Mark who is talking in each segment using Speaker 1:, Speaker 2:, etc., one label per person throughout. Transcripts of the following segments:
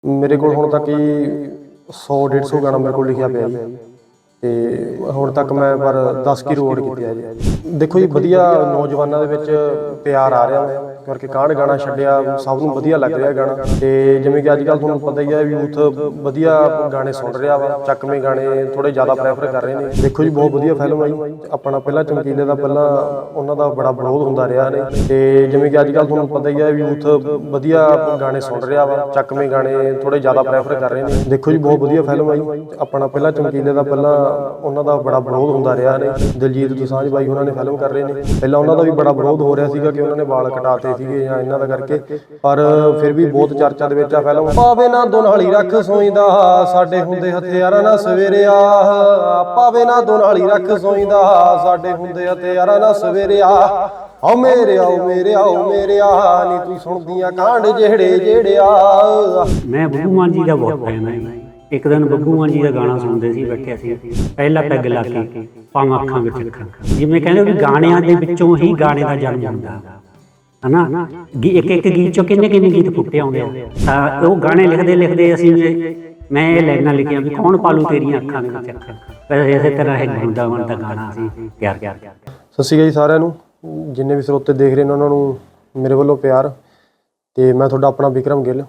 Speaker 1: ਮੇਰੇ ਕੋਲ ਹੁਣ ਤੱਕ ਹੀ 100-150 ਗਾਣਾ ਮੇਰੇ ਕੋਲ ਲਿਖਿਆ ਪਿਆ ਜੀ। ਤੇ ਹੁਣ ਤੱਕ ਮੈਂ ਪਰ 10 ਕੀ ਰਿਕਾਰਡ ਕੀਤੇ ਆ ਜੀ। ਦੇਖੋ ਜੀ, ਵਧੀਆ ਨੌਜਵਾਨਾਂ ਦੇ ਵਿੱਚ ਪਿਆਰ ਆ ਰਿਹਾ ਮੈਂ ਕਰਕੇ ਕਾਂਡ ਗਾਣਾ ਛੱਡਿਆ, ਸਭ ਨੂੰ ਵਧੀਆ ਲੱਗ ਰਿਹਾ ਗਾਣਾ। ਤੇ ਜਿਵੇਂ ਕਿ ਅੱਜ ਕੱਲ੍ਹ ਤੁਹਾਨੂੰ ਪਤਾ ਹੀ ਹੈ, ਯੂਥ ਵਧੀਆ ਗਾਣੇ ਸੁਣ ਰਿਹਾ ਵਾ, ਚੱਕਵੇਂ ਗਾਣੇ ਥੋੜੇ ਜ਼ਿਆਦਾ ਪ੍ਰੈਫਰ ਕਰ ਰਹੇ ਨੇ। ਦੇਖੋ ਜੀ, ਬਹੁਤ ਵਧੀਆ ਫਿਲਮ ਆ ਜੀ। ਆਪਣਾ ਪਹਿਲਾਂ ਚਮਕੀਲੇ ਦਾ ਪਹਿਲਾਂ ਉਹਨਾਂ ਦਾ ਬੜਾ ਵਿਰੋਧ ਹੁੰਦਾ ਰਿਹਾ ਨੇ। ਤੇ ਜਿਵੇਂ ਕਿ ਅੱਜ ਕੱਲ੍ਹ ਤੁਹਾਨੂੰ ਪਤਾ ਹੀ ਹੈ, ਯੂਥ ਵਧੀਆ ਗਾਣੇ ਸੁਣ ਰਿਹਾ ਵਾ, ਚੱਕਵੇਂ ਗਾਣੇ ਥੋੜੇ ਜ਼ਿਆਦਾ ਪ੍ਰੈਫਰ ਕਰ ਰਹੇ ਨੇ। ਦੇਖੋ ਜੀ, ਬਹੁਤ ਵਧੀਆ ਫਿਲਮ ਆ ਜੀ। ਆਪਣਾ ਪਹਿਲਾਂ ਚਮਕੀਲੇ ਦਾ ਪਹਿਲਾਂ ਉਹਨਾਂ ਦਾ ਬੜਾ ਵਿਰੋਧ ਹੁੰਦਾ ਰਿਹਾ ਨੇ। ਦਿਲਜੀਤ ਦੋਸਾਂਝ ਬਾਈ ਉਹਨਾਂ ਨੇ ਫਿਲਮ ਕਰ ਰਹੇ ਨੇ। ਪਹਿਲਾਂ ਉਹਨਾਂ ਦਾ ਵੀ ਬੜਾ ਵਿਰੋਧ ਹੋ ਰਿਹਾ ਸੀਗਾ ਕਿ ਉਹਨਾਂ ਨੇ ਵਾਲ ਕਟਾਤੇ ਸੀਗੇ ਜਾਂ ਇਹਨਾਂ ਦਾ ਕਰਕੇ, ਪਰ ਫਿਰ ਵੀ ਬਹੁਤ ਚਰਚਾ ਦੇ ਵਿੱਚ ਆ ਫਿਲਮ। ਪਾਵੇ ਨਾ ਦੁਨਾਲੀ ਰੱਖ ਸੋਈਂਦਾ, ਸਾਡੇ ਹੁੰਦੇ ਹਥਿਆਰਾਂ ਨਾਲ ਸਵੇਰਿਆ। ਪਾਵੇ ਨਾ ਦੁਨਾਲੀ ਰੱਖ ਸੋਈਂਦਾ, ਸਾਡੇ ਹੁੰਦੇ ਹਥਿਆਰਾਂ ਨਾਲ ਸਵੇਰਿਆ। ਆਓ ਮੇਰੇ ਆਓ ਮੇਰੇ ਆਓ ਮੇਰੇ ਆ, ਨੀ ਤੂੰ ਸੁਣਦੀਆਂ ਕਾਂਡ ਜਿਹੜਿਆ।
Speaker 2: ਮੈਂ ਬੱਬੂ ਮਾਨ ਜੀ ਦਾ ਬਹੁਤ ਫੈਨ ਹਾਂ। ਇੱਕ ਦਿਨ ਬੱਬੂ ਮਾਨ ਜੀ ਦਾ ਗਾਣਾ ਸੁਣਦੇ ਸੀ, ਬੈਠੇ ਸੀ, ਪਹਿਲਾ ਪੈਗ ਲਾ ਕੇ ਪਾਵਾਂ ਅੱਖਾਂ ਵਿੱਚ ਅੱਖਾਂ। ਜਿਵੇਂ ਕਹਿੰਦੇ ਵੀ ਗਾਣਿਆਂ ਦੇ ਵਿੱਚੋਂ ਹੀ ਗਾਣੇ ਦਾ ਜਨਮ ਹੁੰਦਾ ਹਨਾ। ਇੱਕ ਗੀਤ ਚੋਂ ਕਿੰਨੇ ਗੀਤ ਫੁੱਟੇ ਆਉਂਦੇ ਆ। ਤਾਂ ਉਹ ਗਾਣੇ ਲਿਖਦੇ ਲਿਖਦੇ ਅਸੀਂ ਮੈਂ ਇਹ ਲਾਈਨਾਂ ਲਿਖੀਆਂ ਵੀ ਕੌਣ ਪਾਲੂ ਤੇਰੀਆਂ ਅੱਖਾਂ ਦੇ ਵਿੱਚ ਅੱਖਾਂ। ਵੈਸੇ ਇਸੇ ਤਰ੍ਹਾਂ ਇਹ ਵਰਿੰਦਾਵਨ ਦਾ ਗਾਣਾ ਅਸੀਂ ਤਿਆਰ ਕੀਤਾ।
Speaker 1: ਸਤਿ ਸ਼੍ਰੀ ਅਕਾਲ ਜੀ ਸਾਰਿਆਂ ਨੂੰ, ਜਿੰਨੇ ਵੀ ਸਰੋਤੇ ਦੇਖ ਰਹੇ ਨੇ ਉਹਨਾਂ ਨੂੰ ਮੇਰੇ ਵੱਲੋਂ ਪਿਆਰ। ਤੇ ਮੈਂ ਤੁਹਾਡਾ ਆਪਣਾ ਵਿਕਰਮ ਗਿੱਲ।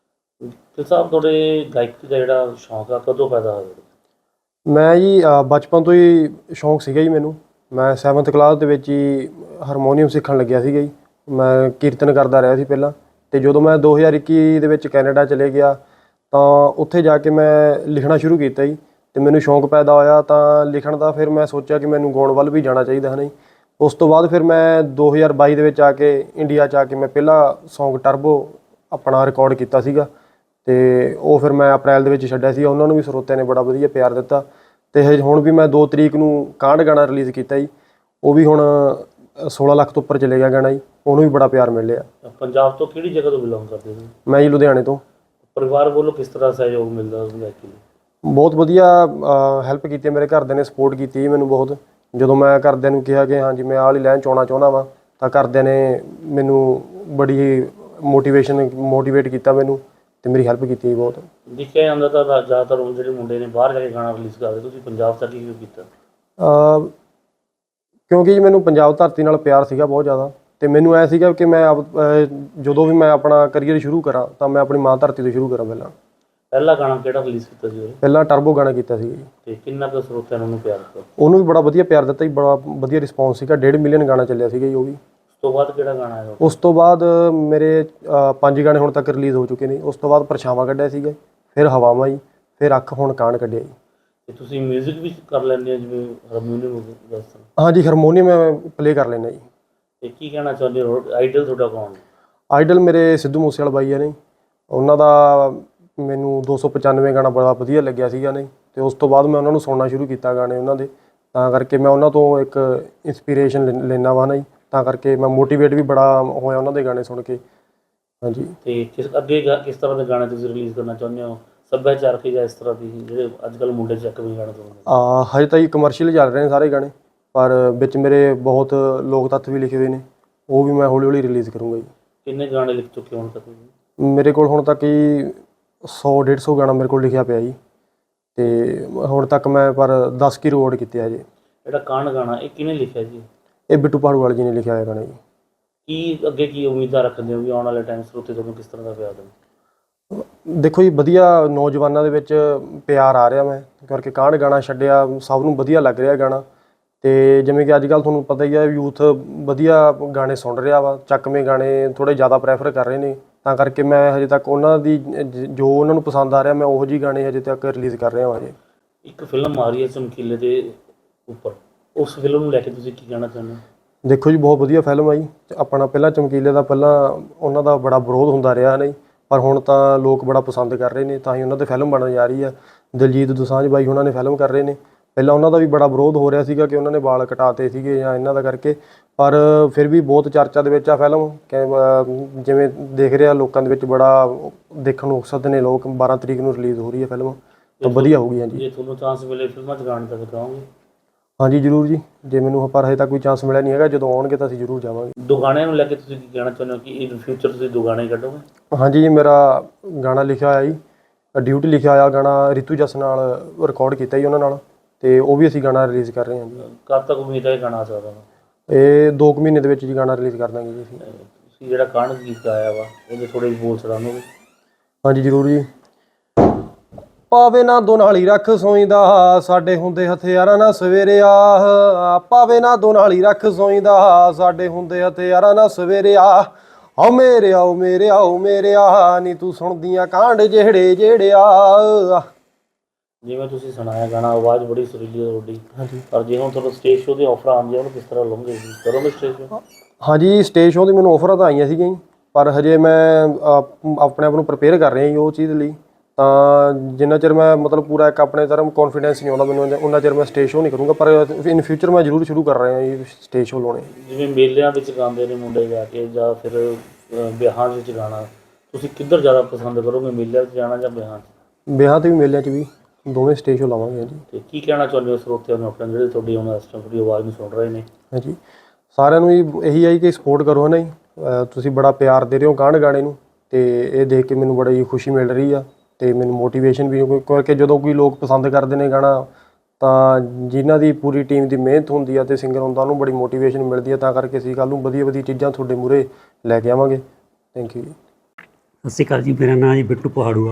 Speaker 3: ਤੇ ਸਾਹਿਬ, ਤੁਹਾਡੇ ਗਾਇਕੀ ਦਾ ਜਿਹੜਾ ਸ਼ੌਂਕ ਆ ਕਦੋਂ ਪੈਦਾ ਹੋਇਆ?
Speaker 1: ਮੈਂ ਜੀ ਬਚਪਨ ਤੋਂ ਹੀ ਸ਼ੌਂਕ ਸੀਗਾ ਜੀ ਮੈਨੂੰ। ਮੈਂ 7th ਕਲਾਸ ਦੇ ਵਿੱਚ ਹੀ ਹਾਰਮੋਨੀਅਮ ਸਿੱਖਣ ਲੱਗਿਆ ਸੀਗਾ ਜੀ। ਮੈਂ ਕੀਰਤਨ ਕਰਦਾ ਰਿਹਾ ਸੀ ਪਹਿਲਾਂ। ਅਤੇ ਜਦੋਂ ਮੈਂ 2021 ਦੇ ਵਿੱਚ ਕੈਨੇਡਾ ਚਲੇ ਗਿਆ ਤਾਂ ਉੱਥੇ ਜਾ ਕੇ ਮੈਂ ਲਿਖਣਾ ਸ਼ੁਰੂ ਕੀਤਾ ਜੀ। ਅਤੇ ਮੈਨੂੰ ਸ਼ੌਂਕ ਪੈਦਾ ਹੋਇਆ ਤਾਂ ਲਿਖਣ ਦਾ। ਫਿਰ ਮੈਂ ਸੋਚਿਆ ਕਿ ਮੈਨੂੰ ਗਾਉਣ ਵੱਲ ਵੀ ਜਾਣਾ ਚਾਹੀਦਾ ਹੈ ਨਾ ਜੀ। ਉਸ ਤੋਂ ਬਾਅਦ ਫਿਰ ਮੈਂ 2022 ਦੇ ਵਿੱਚ ਆ ਕੇ ਇੰਡੀਆ 'ਚ ਆ ਕੇ ਮੈਂ ਪਹਿਲਾ ਸੌਂਗ ਟਰਬੋ ਆਪਣਾ ਰਿਕਾਰਡ ਕੀਤਾ ਸੀਗਾ। ਅਤੇ ਉਹ ਫਿਰ ਮੈਂ ਅਪ੍ਰੈਲ ਦੇ ਵਿੱਚ ਛੱਡਿਆ ਸੀ। ਉਹਨਾਂ ਨੂੰ ਵੀ ਸਰੋਤਿਆਂ ਨੇ ਬੜਾ ਵਧੀਆ ਪਿਆਰ ਦਿੱਤਾ। ਅਤੇ ਹੁਣ ਵੀ ਮੈਂ 2 ਤਰੀਕ ਨੂੰ ਕਾਂਡ ਗਾਣਾ ਰਿਲੀਜ਼ ਕੀਤਾ ਜੀ। ਉਹ ਵੀ ਹੁਣ 16 ਲੱਖ ਤੋਂ ਉੱਪਰ ਚਲੇ ਗਿਆ ਗਾਣਾ ਜੀ। ਉਹਨੂੰ ਵੀ ਬੜਾ ਪਿਆਰ ਮਿਲ ਰਿਹਾ।
Speaker 3: ਪੰਜਾਬ ਤੋਂ ਕਿਹੜੀ ਜਗ੍ਹਾ ਤੋਂ ਬਿਲੋਂਗ ਕਰਦੇ ਹੋ?
Speaker 1: ਮੈਂ ਜੀ ਲੁਧਿਆਣੇ ਤੋਂ।
Speaker 3: ਪਰਿਵਾਰ ਵੱਲੋਂ ਕਿਸ ਤਰ੍ਹਾਂ ਸਹਿਯੋਗ ਮਿਲਦਾ ਗਾਇਕੀ ਲਈ?
Speaker 1: ਬਹੁਤ ਵਧੀਆ ਹੈਲਪ ਕੀਤੀ, ਮੇਰੇ ਘਰਦਿਆਂ ਨੇ ਸਪੋਰਟ ਕੀਤੀ ਜੀ ਮੈਨੂੰ ਬਹੁਤ। ਜਦੋਂ ਮੈਂ ਘਰਦਿਆਂ ਨੂੰ ਕਿਹਾ ਕਿ ਹਾਂਜੀ ਮੈਂ ਆਹ ਵਾਲੀ ਲਾਈਨ 'ਚ ਆਉਣਾ ਚਾਹੁੰਦਾ ਵਾਂ, ਤਾਂ ਘਰਦਿਆਂ ਨੇ ਮੈਨੂੰ ਬੜੀ ਮੋਟੀਵੇਟ ਕੀਤਾ ਮੈਨੂੰ, ਅਤੇ ਮੇਰੀ ਹੈਲਪ ਕੀਤੀ ਬਹੁਤ।
Speaker 3: ਦੇਖਿਆ ਜਾਂਦਾ ਤਾਂ ਜ਼ਿਆਦਾਤਰ ਹੁਣ ਜਿਹੜੇ ਮੁੰਡੇ ਨੇ ਬਾਹਰ ਜਾ ਕੇ ਗਾਣਾ ਰਿਲੀਜ਼ ਕਰਦੇ, ਤੁਸੀਂ ਪੰਜਾਬ ਤੱਕ ਹੀ ਕਿਉਂ ਕੀਤਾ?
Speaker 1: ਕਿਉਂਕਿ ਜੀ ਮੈਨੂੰ ਪੰਜਾਬ ਧਰਤੀ ਨਾਲ ਪਿਆਰ ਸੀਗਾ ਬਹੁਤ ਜ਼ਿਆਦਾ। ਅਤੇ ਮੈਨੂੰ ਐਂ ਸੀਗਾ ਕਿ ਮੈਂ ਜਦੋਂ ਵੀ ਮੈਂ ਆਪਣਾ ਕਰੀਅਰ ਸ਼ੁਰੂ ਕਰਾਂ ਤਾਂ ਮੈਂ ਆਪਣੀ ਮਾਂ ਧਰਤੀ ਤੋਂ ਸ਼ੁਰੂ ਕਰਾਂ।
Speaker 3: ਪਹਿਲਾ ਗਾਣਾ ਕਿਹੜਾ ਰਿਲੀਜ਼ ਕੀਤਾ ਸੀ?
Speaker 1: ਪਹਿਲਾਂ ਟਰਬੋ ਗਾਣਾ ਕੀਤਾ ਸੀਗਾ ਜੀ।
Speaker 3: ਅਤੇ ਕਿੰਨਾ ਕੁ ਸਰੋਤਿਆਂ ਨੇ ਉਹਨੂੰ ਪਿਆਰ ਦਿੱਤਾ?
Speaker 1: ਉਹਨੂੰ ਵੀ ਬੜਾ ਵਧੀਆ ਪਿਆਰ ਦਿੱਤਾ ਜੀ, ਬੜਾ ਵਧੀਆ ਰਿਸਪੌਂਸ ਸੀਗਾ। 1.5 ਮਿਲੀਅਨ ਗਾਣਾ ਚੱਲਿਆ ਸੀਗਾ ਜੀ ਉਹ ਵੀ।
Speaker 3: ਉਸ ਤੋਂ ਬਾਅਦ ਕਿਹੜਾ ਗਾਣਾ ਆਇਆ?
Speaker 1: ਉਸ ਤੋਂ ਬਾਅਦ ਮੇਰੇ 5 ਗਾਣੇ ਹੁਣ ਤੱਕ ਰਿਲੀਜ਼ ਹੋ ਚੁੱਕੇ ਨੇ। ਉਸ ਤੋਂ ਬਾਅਦ ਪਰਛਾਵਾਂ ਕੱਢਿਆ ਸੀਗਾ, ਫਿਰ ਹਵਾਵਾਂ ਜੀ, ਫਿਰ ਅੱਖ, ਹੁਣ ਕਾਂਡ ਕੱਢਿਆ ਜੀ।
Speaker 3: ਅਤੇ ਤੁਸੀਂ ਮਿਊਜ਼ਿਕ ਵੀ ਕਰ ਲੈਂਦੇ ਹੋ, ਜਿਵੇਂ ਹਾਰਮੋਨੀਅਮ ਦੱਸ?
Speaker 1: ਹਾਂਜੀ, ਹਾਰਮੋਨੀਅਮ ਮੈਂ ਪਲੇਅ ਕਰ ਲੈਂਦਾ ਜੀ।
Speaker 3: ਅਤੇ ਕੀ ਕਹਿਣਾ ਚਾਹੁੰਦੇ ਹੋ, ਆਈਡਲ ਤੁਹਾਡਾ ਕੌਣ?
Speaker 1: ਆਈਡਲ ਮੇਰੇ ਸਿੱਧੂ ਮੂਸੇਵਾਲਾ ਬਾਈ ਆ ਨੇ। ਉਹਨਾਂ ਦਾ ਮੈਨੂੰ 295 ਗਾਣਾ ਬੜਾ ਵਧੀਆ ਲੱਗਿਆ ਸੀਗਾ ਨੇ। ਅਤੇ ਉਸ ਤੋਂ ਬਾਅਦ ਮੈਂ ਉਹਨਾਂ ਨੂੰ ਸੁਣਨਾ ਸ਼ੁਰੂ ਕੀਤਾ ਗਾਣੇ ਉਹਨਾਂ ਦੇ। ਤਾਂ ਕਰਕੇ ਮੈਂ ਉਹਨਾਂ ਤੋਂ ਇੱਕ ਇੰਸਪੀਰੇਸ਼ਨ ਲੈਂਦਾ ਵਾ ਨਾ ਜੀ। ਤਾਂ ਕਰਕੇ ਮੈਂ ਮੋਟੀਵੇਟ ਵੀ ਬੜਾ ਹੋਇਆ ਉਹਨਾਂ ਦੇ ਗਾਣੇ ਸੁਣ ਕੇ। ਹਾਂਜੀ।
Speaker 3: ਅਤੇ ਕਿਸ ਤਰ੍ਹਾਂ ਦੇ ਗਾਣੇ ਤੁਸੀਂ ਰਿਲੀਜ਼ ਕਰਨਾ ਚਾਹੁੰਦੇ ਹੋ? ਸੱਭਿਆਚਾਰਕ ਜਾਂ ਇਸ ਤਰ੍ਹਾਂ ਦੀ ਜਿਹੜੇ ਅੱਜ ਕੱਲ੍ਹ ਮੁੰਡੇ ਚੱਕਵੇਂ ਗਾਣੇ ਸੁਣਦੇ?
Speaker 1: ਹਜੇ ਤਾਂ ਜੀ ਕਮਰਸ਼ੀਅਲ ਚੱਲ ਰਹੇ ਨੇ ਸਾਰੇ ਗਾਣੇ, ਪਰ ਵਿੱਚ ਮੇਰੇ ਬਹੁਤ ਲੋਕ ਤੱਤ ਵੀ ਲਿਖੇ ਹੋਏ ਨੇ। ਉਹ ਵੀ ਮੈਂ ਹੌਲੀ ਹੌਲੀ ਰਿਲੀਜ਼ ਕਰੂੰਗਾ ਜੀ।
Speaker 3: ਕਿੰਨੇ ਗਾਣੇ ਲਿਖ ਚੁੱਕੇ ਹੁਣ ਤੱਕ?
Speaker 1: ਮੇਰੇ ਕੋਲ ਹੁਣ ਤੱਕ ਹੀ 100-150 ਗਾਣਾ ਮੇਰੇ ਕੋਲ ਲਿਖਿਆ ਪਿਆ ਜੀ। ਅਤੇ ਹੁਣ ਤੱਕ ਮੈਂ ਪਰ 10 ਕੀ ਰਿਕਾਰਡ ਕੀਤੇ ਆ ਜੀ।
Speaker 3: ਜਿਹੜਾ ਕਾਂਡ ਗਾਣਾ ਇਹ ਕਿਹਨੇ ਲਿਖਿਆ ਜੀ?
Speaker 1: ਇਹ ਬਿੱਟੂ ਭਾੜੂਵਾਲ ਜੀ ਨੇ ਲਿਖਿਆ ਹੋਇਆ ਗਾਣਾ ਜੀ।
Speaker 3: ਕੀ ਅੱਗੇ ਕੀ ਉਮੀਦਾਂ ਰੱਖਦੇ ਹੋ ਵੀ ਆਉਣ ਵਾਲੇ ਟਾਈਮ ਸਰੋਤੇ ਤੁਹਾਨੂੰ ਕਿਸ ਤਰ੍ਹਾਂ ਦਾ ਪਿਆਰ ਦੇਣ?
Speaker 1: ਦੇਖੋ ਜੀ, ਵਧੀਆ ਨੌਜਵਾਨਾਂ ਦੇ ਵਿੱਚ ਪਿਆਰ ਆ ਰਿਹਾ ਮੈਂ ਕਰਕੇ ਕਾਂਡ ਗਾਣਾ ਛੱਡਿਆ, ਸਭ ਨੂੰ ਵਧੀਆ ਲੱਗ ਰਿਹਾ ਗਾਣਾ। ਅਤੇ ਜਿਵੇਂ ਕਿ ਅੱਜ ਕੱਲ੍ਹ ਤੁਹਾਨੂੰ ਪਤਾ ਹੀ ਹੈ, ਯੂਥ ਵਧੀਆ ਗਾਣੇ ਸੁਣ ਰਿਹਾ ਵਾ, ਚੱਕਵੇਂ ਗਾਣੇ ਥੋੜ੍ਹੇ ਜ਼ਿਆਦਾ ਪ੍ਰੈਫਰ ਕਰ ਰਹੇ ਨੇ। ਤਾਂ ਕਰਕੇ ਮੈਂ ਹਜੇ ਤੱਕ ਉਹਨਾਂ ਦੀ ਜੋ ਉਹਨਾਂ ਨੂੰ ਪਸੰਦ ਆ ਰਿਹਾ, ਮੈਂ ਉਹੋ ਜਿਹੀ ਗਾਣੇ ਹਜੇ ਤੱਕ ਰਿਲੀਜ਼ ਕਰ ਰਿਹਾ ਹਾਂ ਹਜੇ।
Speaker 3: ਇੱਕ ਫਿਲਮ ਆ ਰਹੀ ਹੈ ਚਮਕੀਲੇ ਦੇ ਉੱਪਰ, ਉਸ ਫਿਲਮ ਨੂੰ ਲੈ ਕੇ ਤੁਸੀਂ ਕੀ ਕਹਿਣਾ ਚਾਹੁੰਦੇ ਹੋ?
Speaker 1: ਦੇਖੋ ਜੀ, ਬਹੁਤ ਵਧੀਆ ਫਿਲਮ ਆ ਜੀ। ਆਪਣਾ ਪਹਿਲਾਂ ਚਮਕੀਲੇ ਦਾ ਪਹਿਲਾਂ ਉਹਨਾਂ ਦਾ ਬੜਾ ਵਿਰੋਧ ਹੁੰਦਾ ਰਿਹਾ ਨਹੀਂ, ਪਰ ਹੁਣ ਤਾਂ ਲੋਕ ਬੜਾ ਪਸੰਦ ਕਰ ਰਹੇ ਨੇ, ਤਾਂ ਹੀ ਉਹਨਾਂ 'ਤੇ ਫਿਲਮ ਬਣਨ ਜਾ ਰਹੀ ਆ। ਦਿਲਜੀਤ ਦੋਸਾਂਝ ਬਾਈ ਉਹਨਾਂ ਨੇ ਫਿਲਮ ਕਰ ਰਹੇ ਨੇ। ਪਹਿਲਾਂ ਉਹਨਾਂ ਦਾ ਵੀ ਬੜਾ ਵਿਰੋਧ ਹੋ ਰਿਹਾ ਸੀਗਾ ਕਿ ਉਹਨਾਂ ਨੇ ਵਾਲ ਕਟਾਤੇ ਸੀਗੇ ਜਾਂ ਇਹਨਾਂ ਦਾ ਕਰਕੇ, ਪਰ ਫਿਰ ਵੀ ਬਹੁਤ ਚਰਚਾ ਦੇ ਵਿੱਚ ਆ ਫਿਲਮ। ਜਿਵੇਂ ਦੇਖ ਰਿਹਾ ਲੋਕਾਂ ਦੇ ਵਿੱਚ ਬੜਾ ਦੇਖਣ ਨੂੰ ਉਕਸਦ ਨੇ ਲੋਕ। 12 ਤਰੀਕ ਨੂੰ ਰਿਲੀਜ਼ ਹੋ ਰਹੀ ਹੈ ਫਿਲਮ, ਤਾਂ ਵਧੀਆ ਹੋਊਗੀ। ਹਾਂਜੀ,
Speaker 3: ਜੇ ਤੁਹਾਨੂੰ ਚਾਂਸ ਮਿਲੇ ਫਿਲਮਾਂ 'ਚ ਗਾਣੇ ਤਾਂ ਕਰਾਓਗੇ?
Speaker 1: ਹਾਂਜੀ ਜ਼ਰੂਰ ਜੀ, ਜੇ ਮੈਨੂੰ ਪਰ ਹਜੇ ਤੱਕ ਕੋਈ ਚਾਂਸ ਮਿਲਿਆ ਨਹੀਂ ਹੈਗਾ, ਜਦੋਂ ਆਉਣਗੇ ਤਾਂ ਅਸੀਂ ਜ਼ਰੂਰ ਜਾਵਾਂਗੇ।
Speaker 3: ਦੋ ਗਾਣਿਆਂ ਨੂੰ ਲੈ ਕੇ ਤੁਸੀਂ ਕੀ ਕਹਿਣਾ ਚਾਹੁੰਦੇ ਹੋ ਕਿ ਇਨ ਫਿਊਚਰ ਤੁਸੀਂ ਦੋ ਗਾਣੇ ਕੱਢੋਗੇ?
Speaker 1: ਹਾਂਜੀ ਜੀ, ਮੇਰਾ ਗਾਣਾ ਲਿਖਿਆ ਹੋਇਆ ਜੀ, ਡਿਊਟੀ ਲਿਖਿਆ ਹੋਇਆ ਗਾਣਾ ਰਿਤੂ ਜਸ ਨਾਲ ਰਿਕਾਰਡ ਕੀਤਾ ਜੀ ਉਹਨਾਂ ਨਾਲ, ਤੇ ਉਹ ਵੀ ਅਸੀਂ ਗਾਣਾ ਰਿਲੀਜ਼ ਕਰ ਰਹੇ ਹਾਂ ਜੀ।
Speaker 3: ਕਦ ਤੱਕ ਉਮੀਦ ਹੈ ਇਹ ਗਾਣਾ ਆ ਸਕਦਾ ਵਾ?
Speaker 1: ਇਹ 2 ਮਹੀਨੇ ਦੇ ਵਿੱਚ ਜੀ ਗਾਣਾ ਰਿਲੀਜ਼ ਕਰ ਦਾਂਗੇ ਜੀ ਅਸੀਂ।
Speaker 3: ਤੁਸੀਂ ਜਿਹੜਾ ਕਾਂਡ ਗੀਤ ਗਾਇਆ ਵਾ ਉਹਦੇ ਥੋੜੇ ਬੋਲ ਸੁਣਾਓਗੇ?
Speaker 1: ਹਾਂਜੀ ਜ਼ਰੂਰ ਜੀ। ਪਾਵੇ ਨਾ ਦੁਨਾਲੀ ਰੱਖ ਸੋਈਂਦਾ, ਸਾਡੇ ਹੁੰਦੇ ਹਥਿਆਰਾਂ ਨਾਲ ਸਵੇਰਿਆ। ਪਾਵੇ ਨਾ ਦੁਨਾਲੀ ਰੱਖ ਸੋਈਂਦਾ, ਸਾਡੇ ਹੁੰਦੇ ਹਥਿਆਰਾਂ ਨਾਲ ਸਵੇਰਿਆ। ਆਓ ਮੇਰੇ ਆਓ ਮੇਰੇ ਆਓ ਮੇਰੇ ਆ, ਨੀ ਤੂੰ ਸੁਣਦੀਆਂ ਕਾਂਡ ਜਿਹੜਿਆ।
Speaker 3: ਜਿਵੇਂ ਤੁਸੀਂ ਸੁਣਾਇਆ ਗਾਣਾ, ਆਵਾਜ਼ ਬੜੀ ਸੁਰੀਲੀ ਹੈ ਤੁਹਾਡੀ।
Speaker 1: ਹਾਂਜੀ
Speaker 3: ਪਰ ਜੇ ਹੁਣ ਤੁਹਾਨੂੰ ਸਟੇਜ ਸ਼ੋਅ ਦੇ ਆਫਰ ਆਉਂਦੀਆਂ ਉਹਨੂੰ ਕਿਸ ਤਰ੍ਹਾਂ ਲਓਗੇ ਜੀ? ਕਰੋਗੇ ਸਟੇਜ ਸ਼ੋਅ?
Speaker 1: ਹਾਂਜੀ, ਸਟੇਜ ਸ਼ੋਅ ਦੀ ਮੈਨੂੰ ਆਫਰਾਂ ਤਾਂ ਆਈਆਂ ਸੀਗੀਆਂ ਜੀ, ਪਰ ਹਜੇ ਮੈਂ ਆਪਣੇ ਆਪ ਨੂੰ ਪ੍ਰਪੇਅਰ ਕਰ ਰਿਹਾ ਜੀ ਉਹ ਚੀਜ਼ ਲਈ। ਤਾਂ ਜਿੰਨਾ ਚਿਰ ਮੈਂ ਮਤਲਬ ਪੂਰਾ ਇੱਕ ਆਪਣੇ ਤਰ੍ਹਾਂ ਕੌਨਫੀਡੈਂਸ ਨਹੀਂ ਆਉਂਦਾ ਮੈਨੂੰ, ਉਹਨਾਂ ਚਿਰ ਮੈਂ ਸਟੇਜ ਸ਼ੋਅ ਨਹੀਂ ਕਰੂੰਗਾ, ਪਰ ਇਨ ਫਿਊਚਰ ਮੈਂ ਜ਼ਰੂਰ ਸ਼ੁਰੂ ਕਰ ਰਿਹਾ ਜੀ ਸਟੇਜ ਸ਼ੋਅ ਲਾਉਣੇ।
Speaker 3: ਜਿਵੇਂ ਮੇਲਿਆਂ ਵਿੱਚ ਗਾਉਂਦੇ ਨੇ ਮੁੰਡੇ ਜਾ ਕੇ, ਜਾਂ ਫਿਰ ਵਿਆਹਾਂ ਵਿੱਚ ਗਾਣਾ, ਤੁਸੀਂ ਕਿੱਧਰ ਜ਼ਿਆਦਾ ਪਸੰਦ ਕਰੋਗੇ, ਮੇਲਿਆਂ ਵਿੱਚ ਜਾਣਾ ਜਾਂ ਵਿਆਹਾਂ 'ਚ?
Speaker 1: ਵਿਆਹ 'ਤੇ ਵੀ ਮੇਲਿਆਂ 'ਚ ਵੀ ਦੋਵੇਂ ਸਟੇਜ ਸ਼ੋਅ ਲਾਵਾਂਗੇ ਜੀ।
Speaker 3: ਤੇ ਕੀ ਕਹਿਣਾ ਚਾਹੁੰਦੇ ਹੋ ਸਰੋਤਿਆਂ ਨੂੰ ਆਪਣੇ, ਜਿਹੜੇ ਤੁਹਾਡੀ ਹੁਣ ਇਸ ਟਾਈਮ ਤੁਹਾਡੀ ਆਵਾਜ਼ ਨੂੰ ਸੁਣ ਰਹੇ ਨੇ?
Speaker 1: ਹਾਂਜੀ, ਸਾਰਿਆਂ ਨੂੰ ਇਹੀ ਹੈ ਕਿ ਸਪੋਰਟ ਕਰੋ ਹੈ ਨਾ ਜੀ। ਤੁਸੀਂ ਬੜਾ ਪਿਆਰ ਦੇ ਰਹੇ ਹੋ ਗਾਣੇ ਨੂੰ, ਤੇ ਇਹ ਦੇਖ ਕੇ ਮੈਨੂੰ ਬੜੀ ਖੁਸ਼ੀ ਮਿਲ ਰਹੀ ਆ, ਤੇ ਮੈਨੂੰ ਮੋਟੀਵੇਸ਼ਨ ਵੀ, ਕਿਉਂਕਿ ਜਦੋਂ ਕੋਈ ਲੋਕ ਪਸੰਦ ਕਰਦੇ ਨੇ ਗਾਣਾ, ਤਾਂ ਜਿਨ੍ਹਾਂ ਦੀ ਪੂਰੀ ਟੀਮ ਦੀ ਮਿਹਨਤ ਹੁੰਦੀ ਆ ਤੇ ਸਿੰਗਰ ਹੁੰਦਾ, ਉਹਨੂੰ ਬੜੀ ਮੋਟੀਵੇਸ਼ਨ ਮਿਲਦੀ ਆ। ਤਾਂ ਕਰਕੇ ਅਸੀਂ ਕੱਲ੍ਹ ਨੂੰ ਵਧੀਆ ਵਧੀਆ ਚੀਜ਼ਾਂ ਤੁਹਾਡੇ ਮੂਹਰੇ ਲੈ ਕੇ ਆਵਾਂਗੇ। ਥੈਂਕ ਯੂ ਜੀ।
Speaker 2: ਸਤਿ ਸ਼੍ਰੀ ਅਕਾਲ ਜੀ, ਮੇਰਾ ਨਾਮ ਜੀ ਬਿੱਟੂ ਪਹਾੜੂਆ।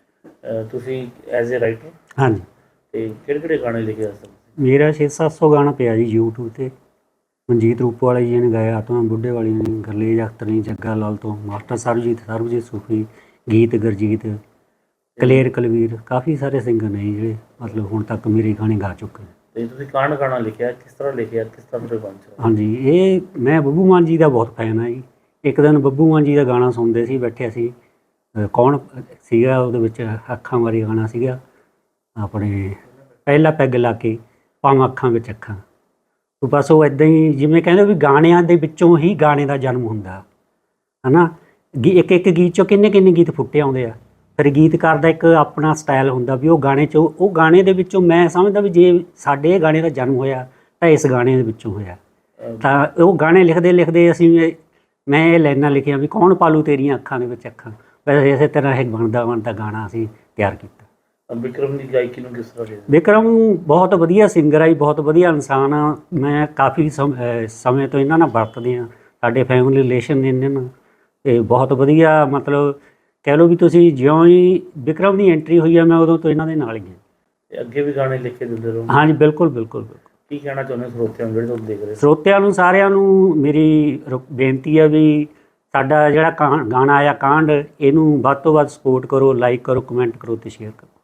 Speaker 3: ਤੁਸੀਂ ਐਜ਼ ਏ ਰਾਈਟਰ,
Speaker 2: ਹਾਂਜੀ,
Speaker 3: ਤੇ ਕਿਹੜੇ ਕਿਹੜੇ ਗਾਣੇ ਲਿਖੇ ਆ ਸਰ?
Speaker 2: ਮੇਰਾ 600-700 ਗਾਣਾ ਪਿਆ ਜੀ YouTube 'ਤੇ। ਮਨਜੀਤ ਰੂਪਵਾਲਾ ਜੀ ਨੇ ਗਾਇਆ, ਆਤਮਾ ਬੁੱਢੇ ਵਾਲੀ ਨੇ, ਗਰਲੇਜ ਅਖਤਰ ਨੇ, ਜੱਗਾ ਲਾਲ ਤੋਂ, ਮਾਸਟਰ ਸਰਬਜੀਤ ਸੂਫੀ, ਗੀਤ ਗੁਰਜੀਤ, ਕਲੇਰ ਕਲਵੀਰ, ਕਾਫੀ ਸਾਰੇ ਸਿੰਗਰ ਨੇ ਜਿਹੜੇ ਮਤਲਬ ਹੁਣ ਤੱਕ ਮੇਰੇ ਗਾਣੇ ਗਾ ਚੁੱਕੇ ਨੇ।
Speaker 3: ਤੇ ਤੁਸੀਂ ਕਾਂਡ ਗਾਣਾ ਲਿਖਿਆ, ਕਿਸ ਤਰ੍ਹਾਂ ਲਿਖਿਆ, ਕਿਸ ਤਰ੍ਹਾਂ ਦੇ ਬਣ ਚ?
Speaker 2: ਹਾਂਜੀ, ਇਹ ਮੈਂ ਬੱਬੂ ਮਾਨ ਜੀ ਦਾ ਬਹੁਤ ਫੈਨ ਹਾਂ ਜੀ। ਇੱਕ ਦਿਨ ਬੱਬੂ ਮਾਨ ਜੀ ਦਾ ਗਾਣਾ ਸੁਣਦੇ ਸੀ, ਬੈਠੇ ਸੀ, ਕੌਣ ਸੀਗਾ ਉਹਦੇ ਵਿੱਚ, ਅੱਖਾਂ ਵਾਲੀ ਗਾਣਾ ਸੀਗਾ ਆਪਣੇ, ਪਹਿਲਾ ਪੈਗ ਲਾ ਕੇ ਪਾਵਾਂ ਅੱਖਾਂ ਵਿੱਚ ਅੱਖਾਂ। ਬਸ ਉਹ ਇੱਦਾਂ ਹੀ, ਜਿਵੇਂ ਕਹਿੰਦੇ ਵੀ ਗਾਣਿਆਂ ਦੇ ਵਿੱਚੋਂ ਹੀ ਗਾਣੇ ਦਾ ਜਨਮ ਹੁੰਦਾ ਹੈ ਨਾ। ਇੱਕ ਇੱਕ ਗੀਤ 'ਚੋਂ ਕਿੰਨੇ ਕਿੰਨੇ ਗੀਤ ਫੁੱਟੇ ਆਉਂਦੇ ਆ। ਫਿਰ ਗੀਤਕਾਰ ਦਾ ਇੱਕ ਆਪਣਾ ਸਟਾਈਲ ਹੁੰਦਾ ਵੀ ਉਹ ਗਾਣੇ 'ਚੋਂ, ਉਹ ਗਾਣੇ ਦੇ ਵਿੱਚੋਂ ਮੈਂ ਸਮਝਦਾ ਵੀ ਜੇ ਸਾਡੇ ਇਹ ਗਾਣੇ ਦਾ ਜਨਮ ਹੋਇਆ ਤਾਂ ਇਸ ਗਾਣੇ ਦੇ ਵਿੱਚੋਂ ਹੋਇਆ। ਤਾਂ ਉਹ ਗਾਣੇ ਲਿਖਦੇ ਲਿਖਦੇ ਮੈਂ ਇਹ ਲਾਈਨਾਂ ਲਿਖੀਆਂ ਵੀ ਕੌਣ ਪਾਲੂ ਤੇਰੀਆਂ ਅੱਖਾਂ ਦੇ ਵਿੱਚ ਅੱਖਾਂ। ਵੈਸੇ ਇਸੇ ਤਰ੍ਹਾਂ ਇਹ ਬਣਦਾ ਗਾਣਾ ਅਸੀਂ ਤਿਆਰ ਕੀਤਾ।
Speaker 3: ਵਿਕਰਮ ਦੀ ਗਾਇਕੀ ਨੂੰ ਕਿਸ ਤਰ੍ਹਾਂ ਦੇਖਦੇ?
Speaker 2: ਵਿਕਰਮ ਬਹੁਤ ਵਧੀਆ ਸਿੰਗਰ ਆ ਜੀ, ਬਹੁਤ ਵਧੀਆ ਇਨਸਾਨ ਆ। ਮੈਂ ਕਾਫੀ ਸਮੇਂ ਤੋਂ ਇਹਨਾਂ ਨਾਲ ਵਰਤਦੇ ਹਾਂ, ਸਾਡੇ ਫੈਮਿਲੀ ਰਿਲੇਸ਼ਨ ਨੇ ਇਹਨਾਂ ਨਾਲ, ਅਤੇ ਬਹੁਤ ਵਧੀਆ ਮਤਲਬ ਕਹਿ ਲਓ ਵੀ ਤੁਸੀਂ ਜਿਉਂ ਹੀ ਵਿਕਰਮ ਦੀ ਐਂਟਰੀ ਹੋਈ ਆ, ਮੈਂ ਉਦੋਂ ਤੋਂ ਇਹਨਾਂ ਦੇ ਨਾਲ ਹੀ ਹਾਂ।
Speaker 3: ਤੇ ਅੱਗੇ ਵੀ ਗਾਣੇ ਲਿਖ ਕੇ ਦਿੰਦੇ ਰਹੋ?
Speaker 2: ਹਾਂਜੀ, ਬਿਲਕੁਲ ਬਿਲਕੁਲ ਬਿਲਕੁਲ।
Speaker 3: ਕੀ ਕਹਿਣਾ ਚਾਹੁੰਦੇ ਸਰੋਤਿਆਂ ਨੂੰ ਜਿਹੜੇ ਤੁਹਾਨੂੰ ਦੇਖ ਰਹੇ?
Speaker 2: ਸਰੋਤਿਆਂ ਨੂੰ ਸਾਰਿਆਂ ਨੂੰ ਮੇਰੀ ਬੇਨਤੀ ਹੈ ਵੀ ਸਾਡਾ ਜਿਹੜਾ ਗਾਣਾ ਆਇਆ ਕਾਂਡ, ਇਹਨੂੰ ਵੱਧ ਤੋਂ ਵੱਧ ਸਪੋਰਟ ਕਰੋ, ਲਾਈਕ ਕਰੋ, ਕਮੈਂਟ ਕਰੋ ਅਤੇ ਸ਼ੇਅਰ ਕਰੋ।